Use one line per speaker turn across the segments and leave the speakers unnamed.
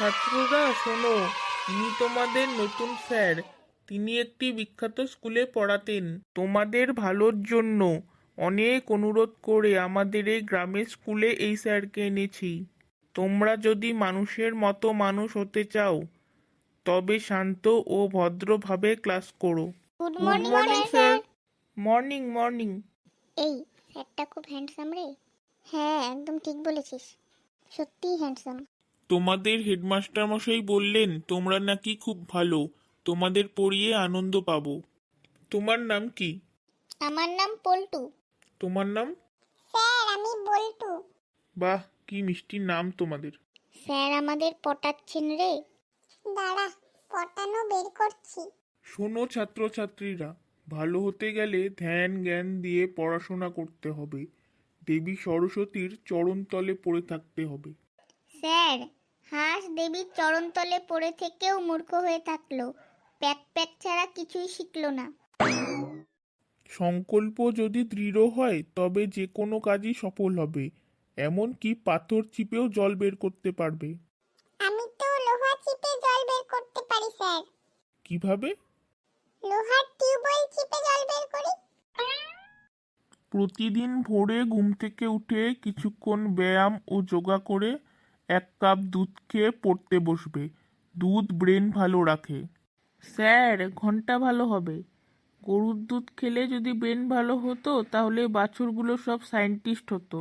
ছাত্ররা শোনো, ইনি তোমাদের নতুন স্যার। তিনি একটি বিখ্যাত স্কুলে পড়াতেন। তোমাদের ভালোর জন্য অনেক অনুরোধ করে আমাদের এই গ্রামের স্কুলে এই স্যারকে এনেছি। তোমরা যদি মানুষের মতো মানুষ হতে চাও তবে শান্ত ও ভদ্রভাবে ক্লাস করো।
Good
good
morning
morning sir. Morning morning.
এই স্যারটা খুব হ্যান্ডসাম রে। হ্যাঁ, একদম ঠিক বলেছিস, সত্যিই হ্যান্ডসাম।
তোমাদের হেডমাস্টার মশাই বললেন তোমরা নাকি খুব ভালো, তোমাদের পড়িয়ে আনন্দ পাবো। তোমার নাম কি?
আমার নাম পল্টু।
তোমার নাম?
স্যার, আমি বল্টু।
বাহ, কি মিষ্টি নাম তোমাদের।
স্যার আমাদের পটাচ্ছেন রে। দাঁড়া, পটানো বের করছি।
শোনো ছাত্রছাত্রীরা, ভালো হতে গেলে ধ্যান জ্ঞান দিয়ে পড়াশোনা করতে হবে। দেবী সরস্বতীর চরণতলে পড়ে থাকতে হবে।
স্যার, হাঁস দেবীর চরণতলে পড়ে থেকেও মূর্খ হয়ে থাকলো, প্যাক প্যাক ছাড়া কিছুই শিখলো না।
সংকল্প যদি দৃঢ় হয় তবে যে কোনো কাজই সফল হবে। এমনকি পাথর চিপেও জল বের করতে পারবে।
আমি তো লোহা চিপে জল বের করতে পারি স্যার।
কিভাবে?
লোহার টিউবওয়েল চিপে জল বের করি।
প্রতিদিন ভোরে ঘুম থেকে উঠে কিছুক্ষণ ব্যায়াম ও যোগা করে 1 কাপ দুধ খেয়ে পড়তে বসবে। দুধ ব্রেন ভালো রাখে। স্যার, ঘন্টা ভালো হবে। গরুর দুধ খেলে যদি ব্রেন ভালো হতো তাহলে বাছুরগুলো সব সায়েন্টিস্ট হতো।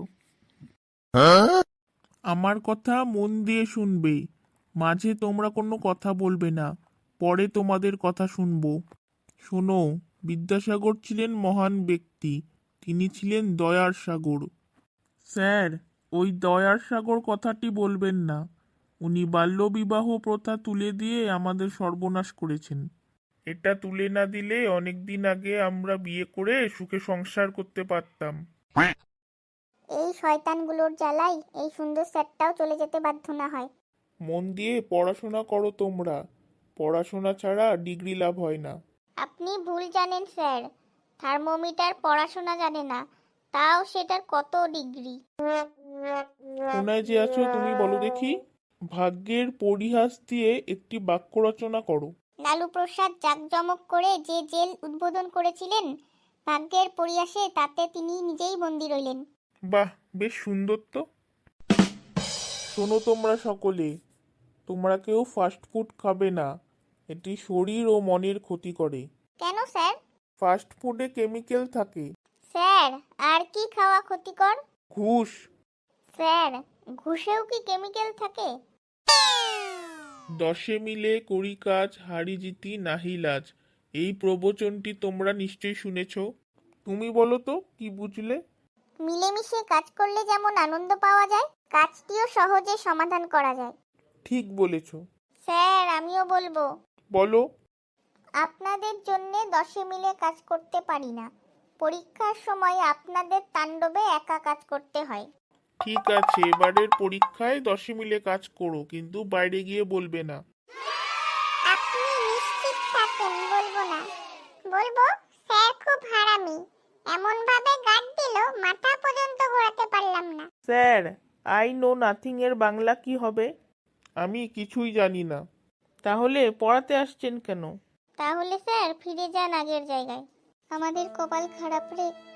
আমার কথা মন দিয়ে শুনবে। মাঝে তোমরা কোনো কথা বলবে না, পরে তোমাদের কথা শুনবো। শোনো, বিদ্যাসাগর ছিলেন মহান ব্যক্তি। তিনি ছিলেন দয়ার সাগর। স্যার, ওই দয়ার সাগর কথাটি বলবেন না। উনি বাল্যবিবাহ প্রথা তুলে দিয়ে আমাদের সর্বনাশ করেছেন। এটা তুলে না দিলে অনেক দিন আগে আমরা বিয়ে করে সুখে সংসার করতে পারতাম।
এই শয়তানগুলোর জ্বালাই এই সুন্দর স্যারটাও চলে যেতে বাধ্য না হয়।
মন দিয়ে পড়াশোনা করো তোমরা। পড়াশোনা ছাড়া ডিগ্রি লাভ হয় না।
আপনি ভুল জানেন স্যার, থার্মোমিটার পড়াশোনা জানে না, তাও সেটার কত ডিগ্রি।
কোনায় যে আছো তুমি বলো দেখি। ভাগ্যের পরিহাস দিয়ে একটি বাক্য রচনা করো।
লালু প্রসাদ জাঁকজমক করে যে জেল উদ্বোধন করেছিলেন, ভাগ্যের পরিহাসে তাতে তিনি নিজেই বন্দী রইলেন।
বাহ, বেশ সুন্দর তো। শোনো তোমরা সকলে, তোমরা কেউ ফাস্ট ফুড খাবে না। এটি শরীর ও মনের ক্ষতি করে।
কেন স্যার?
ফাস্ট ফুডে কেমিক্যাল থাকে।
স্যার, আর কি খাওয়া ক্ষতিকর?
ঘুষ।
স্যার, ঘুষেও কি কেমিক্যাল থাকে?
10 মিলে করি কাজ, হারি জিতি নাহি লাজ। এই প্রবচনটি তোমরা নিশ্চয়ই শুনেছ। তুমি বলো তো, কি বুঝলে?
মিলেমিশে কাজ করলে যেমন আনন্দ পাওয়া যায়, কাজটিও সহজে সমাধান করা যায়।
ঠিক বলেছ।
স্যার, আমিও বলবো।
বলো।
আপনাদের জন্য 10 মিলে কাজ করতে পারি না, পরীক্ষার সময় আপনাদের তাণ্ডবে একা কাজ করতে হয়।
ঠিক আছে, এবারের পরীক্ষায় 10 মিলে কাজ করো, কিন্তু বাইরে গিয়ে বলবে না।
আপনি নিশ্চিত থাকেন, বলবো না। বলবো স্যার খুব হারামি, এমন ভাবে গার্ড দিল মাথা পর্যন্ত ঘোরাতে পারলাম না।
স্যার, আই নো নাথিং এর বাংলা কি হবে? আমি কিছুই জানি না। তাহলে পড়াতে আসছেন কেন?
তাহলে স্যার ফিরে যান আগের জায়গায়। আমাদের কপাল খারাপ রে।